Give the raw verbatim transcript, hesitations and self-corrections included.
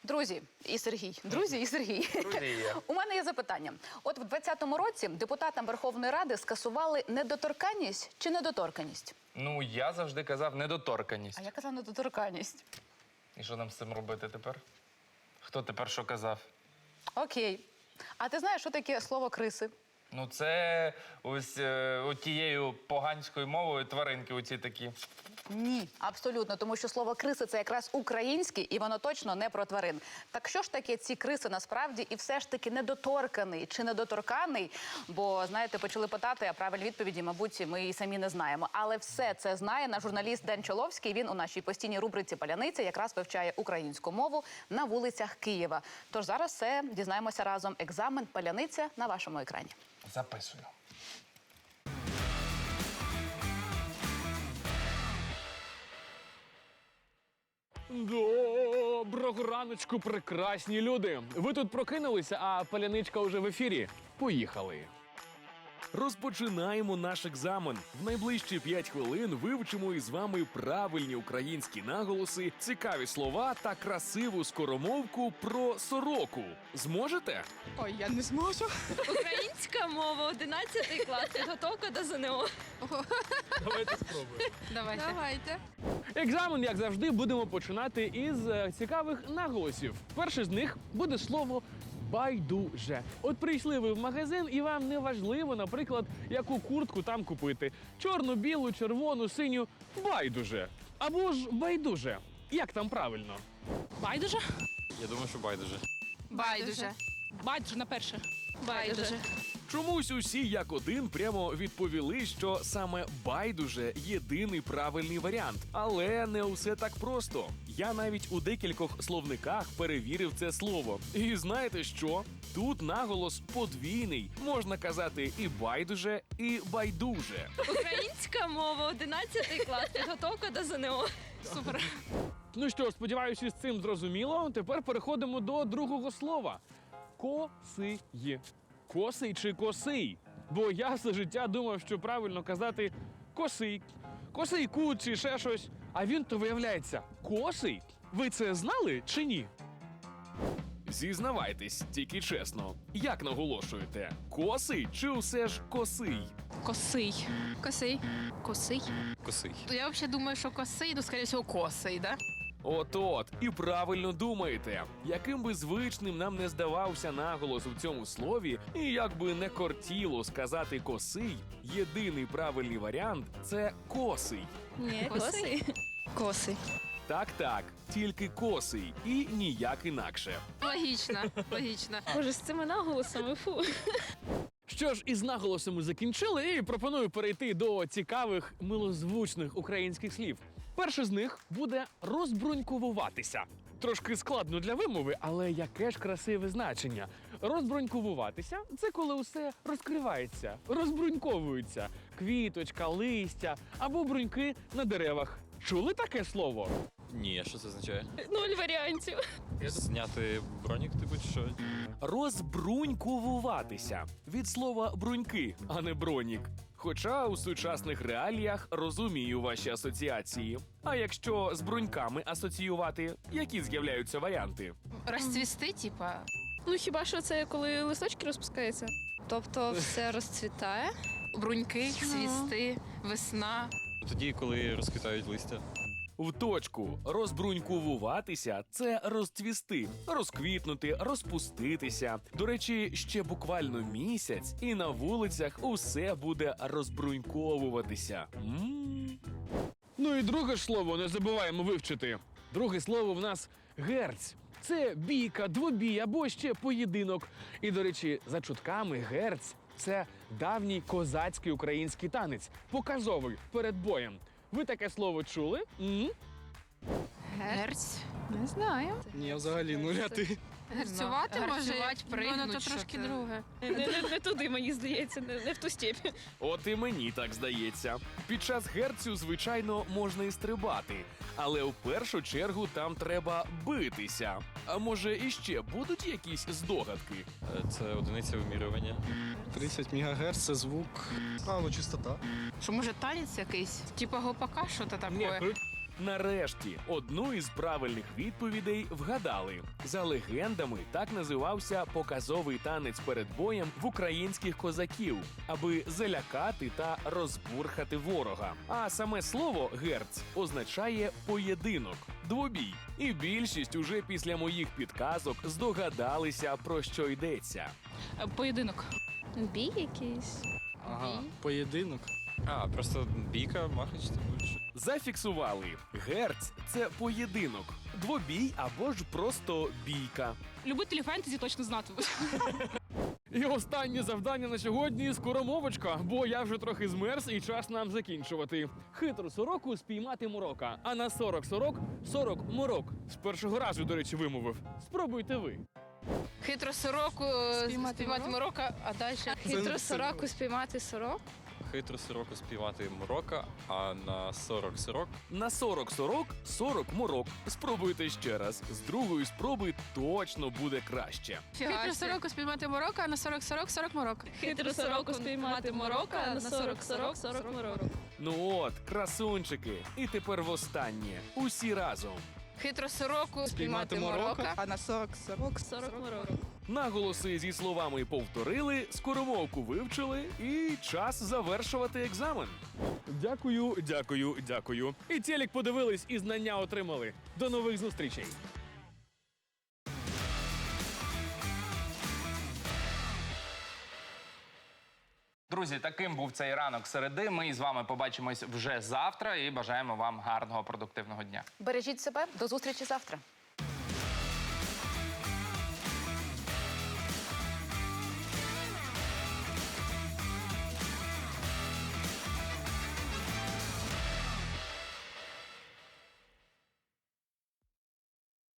Друзі і Сергій. Друзі і Сергій. Друзі. У мене є запитання. От в двадцятому році депутатам Верховної Ради скасували недоторканність чи недоторканність? Ну, я завжди казав недоторканість. А я казав недоторканність. І що нам з цим робити тепер? Хто тепер що казав? Окей. А ти знаєш, що таке слово криси? Ну, це ось е, тією поганською мовою тваринки оці такі. Ні, абсолютно, тому що слово криси – це якраз українське, і воно точно не про тварин. Так що ж таке ці криси насправді, і все ж таки недоторканий чи недоторканий? Бо, знаєте, почали питати, а правильні відповіді, мабуть, ми і самі не знаємо. Але все це знає наш журналіст Ден Чоловський. Він у нашій постійній рубриці «Паляниця» якраз вивчає українську мову на вулицях Києва. Тож зараз все дізнаємося разом. Екзамен «Паляниця» на вашому екрані. Записую. Доброго раночку, прекрасні люди! Ви тут прокинулися, а паляничка уже в ефірі. Поїхали! Розпочинаємо наш екзамен. В найближчі п'ять хвилин вивчимо із вами правильні українські наголоси, цікаві слова та красиву скоромовку про сороку. Зможете? Ой, я не зможу. Українська мова, одинадцятий клас, підготовка до ЗНО. Давайте спробуємо. Давайте. Давайте. Екзамен, як завжди, будемо починати із е, цікавих наголосів. Перше з них буде слово «байдуже». От прийшли ви в магазин, і вам не важливо, наприклад, яку куртку там купити. Чорну, білу, червону, синю – байдуже. Або ж байдуже. Як там правильно? Байдуже? Я думаю, що байдуже. Байдуже. Байдуже на перше. Байдуже. Чомусь усі як один прямо відповіли, що саме байдуже єдиний правильний варіант. Але не усе так просто. Я навіть у декількох словниках перевірив це слово. І знаєте що? Тут наголос подвійний. Можна казати і байдуже, і байдуже. Українська мова, одинадцятий клас, підготовка до ЗНО. Супер. Ну що, сподіваюся, з цим зрозуміло. Тепер переходимо до другого слова. Косий. Косий чи косий? Бо я все життя думав, що правильно казати косий, косий кут чи ще щось. А він то виявляється косий. Ви це знали чи ні? Зізнавайтесь, тільки чесно. Як наголошуєте? Косий чи усе ж косий? Косий. Косий. Косий. Косий. Я взагалі думаю, що косий, ну, скоріше всього, косий, да? От-от, і правильно думаєте. Яким би звичним нам не здавався наголос у цьому слові, і як би не кортіло сказати косий, єдиний правильний варіант – це косий. Ні, Косий. Косий. Так-так, тільки косий і ніяк інакше. Логічно. Логічно. Боже, з цими наголосами, фу. Що ж, із наголосами закінчили, і пропоную перейти до цікавих, милозвучних українських слів. Перше з них буде розбрунькувуватися. Трошки складно для вимови, але яке ж красиве значення. Розбрунькувуватися – це коли усе розкривається, розбруньковується. Квіточка, листя або бруньки на деревах. Чули таке слово? Ні, що це означає? Нуль варіантів. Зняти бронік, типу, чи що? Розбрунькувуватися – від слова бруньки, а не бронік. Хоча у сучасних реаліях розумію ваші асоціації. А якщо з бруньками асоціювати, які з'являються варіанти? Розцвісти, типа. Ну хіба що це коли листочки розпускаються? Тобто все розцвітає? Бруньки, цвісти, весна. Тоді, коли розквітають листя. В точку. Розбрунькувуватися – це розцвісти, розквітнути, розпуститися. До речі, ще буквально місяць, і на вулицях усе буде розбруньковуватися. М-м. Ну і друге ж слово не забуваємо вивчити. Друге слово в нас герць. Це бійка, двобій або ще поєдинок. І, до речі, за чутками герць – це давній козацький український танець, показовий, перед боєм. Ви таке слово чули? М? Герць. Не знаю. Ні, взагалі нуль, а ти? Герцювати може? Гарцювати, пригнуть, Ну, то що трошки це? друге. Не, не, не туди, мені здається, не, не в ту степь. От і мені так здається. Під час герцю, звичайно, можна і стрибати. Але в першу чергу там треба битися. А може іще будуть якісь здогадки? Е, Це одиниця вимірювання. тридцять мегагерц – це звук. А, ну чистота. Що, може, танець якийсь? Типа гопака, що то Ні, таке? кру- Нарешті, одну із правильних відповідей вгадали. За легендами, так називався показовий танець перед боєм в українських козаків, аби залякати та розбурхати ворога. А саме слово «герц» означає «поєдинок», «двобій». І більшість уже після моїх підказок здогадалися, про що йдеться. Поєдинок. Бій якийсь. Ага, поєдинок. А, просто бійка, махач, типу, що. Зафіксували. Герц – це поєдинок, двобій або ж просто бійка. Любителі фентезі точно знатимуть. І останнє завдання на сьогодні – скоромовочка, бо я вже трохи змерз і час нам закінчувати. Хитру сороку спіймати морока, а на сорок сорок – сорок морок. З першого разу, до речі, вимовив. Спробуйте ви. Хитро сороку Спіймати спіймати морока, а далі. Хитро сороку спіймати сорок. Хитро сороку співати морока, а на сорок сорок На сорок сорок – сорок морок. Спробуйте ще раз. З другої спроби точно буде краще. Хитро сороку спіймати морока, а на сорок сорок сорок морок. Хитро сороку спіймати морока, а на сорок сорок сорок морок. Ну от, красунчики. І тепер востаннє. Усі разом. Хитро сороку Спіймати спіймати морока. морока. А на сорок сорок сорок морок. Наголоси зі словами повторили, скоромовку вивчили і час завершувати екзамен. Дякую, дякую, дякую. І телек подивились, і знання отримали. До нових зустрічей. Друзі, таким був цей ранок середи. Ми з вами побачимось вже завтра і бажаємо вам гарного продуктивного дня. Бережіть себе, до зустрічі завтра.